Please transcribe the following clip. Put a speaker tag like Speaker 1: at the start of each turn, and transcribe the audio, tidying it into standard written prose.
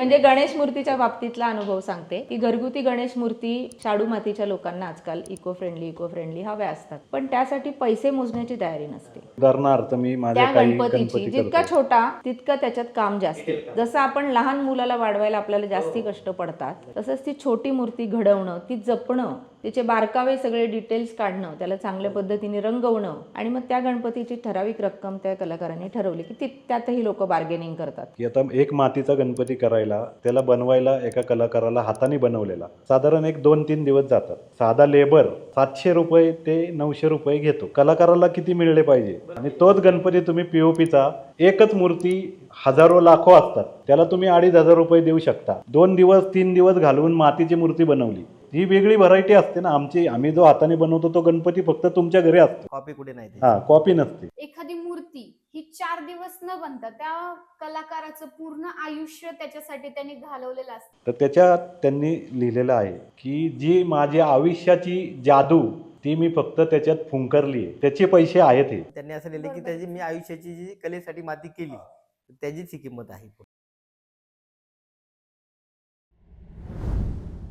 Speaker 1: म्हणजे गणेश मूर्तीच्या बाबतीतला अनुभव सांगते की घरगुती गणेश मूर्ती शाडू मातीच्या लोकांना आजकाल इको फ्रेंडली हव्या असतात, पण त्यासाठी पैसे मोजण्याची तयारी नसते.
Speaker 2: उदाहरणार्थ मी माझ्या
Speaker 1: त्या
Speaker 2: काही
Speaker 1: गणपतीची
Speaker 2: गणपती
Speaker 1: जितका
Speaker 2: करतो.
Speaker 1: छोटा तितकं त्याच्यात काम जास्त. जसं आपण लहान मुलाला वाढवायला आपल्याला जास्ती कष्ट पडतात, तसंच ती छोटी मूर्ती घडवणं, ती जपणं, तिचे बारकावे सगळे डिटेल्स काढणं, त्याला चांगल्या पद्धतीने रंगवणं आणि मग त्या गणपतीची ठराविक रक्कम त्या कलाकारांनी ठरवली की त्यातही लोक बार्गेनिंग करतात.
Speaker 2: की आता एक मातीचा गणपती करायला, त्याला बनवायला एका कलाकाराला हाताने बनवलेला साधारण 1-2-3 दिवस जातात. साधा लेबर 700 रुपये ते 900 रुपये घेतो. कलाकाराला किती मिळले पाहिजे? आणि तोच गणपती तुम्ही पीओपीचा एकच मूर्ती हजारो लाखो असतात, त्याला तुम्ही 2,500 रुपये देऊ शकता. 2 दिवस 3 दिवस घालवून मातीची मूर्ती बनवली, ही वेगळी व्हरायटी असते ना. आम्ही जो हाताने बनवतो तो गणपती फक्त तुमच्या घरी असतो,
Speaker 3: कॉपी कुठे नाही.
Speaker 2: हा कॉपी नसते.
Speaker 4: एखादी मूर्ती ही 4 दिवस न बनता त्या कलाकाराचं पूर्ण आयुष्य त्याच्यासाठी त्यांनी घालवलेलं असतं.
Speaker 2: तर त्याच्यात त्यांनी लिहिलेलं आहे की जी माझ्या आयुष्याची जादू ती मी फक्त त्याच्यात फुंकरली आहे, त्याचे पैसे आहेत हे.
Speaker 3: त्यांनी असं लिहिलं की त्याची मी आयुष्याची जी कलेसाठी माती केली त्याचीच ही किंमत आहे.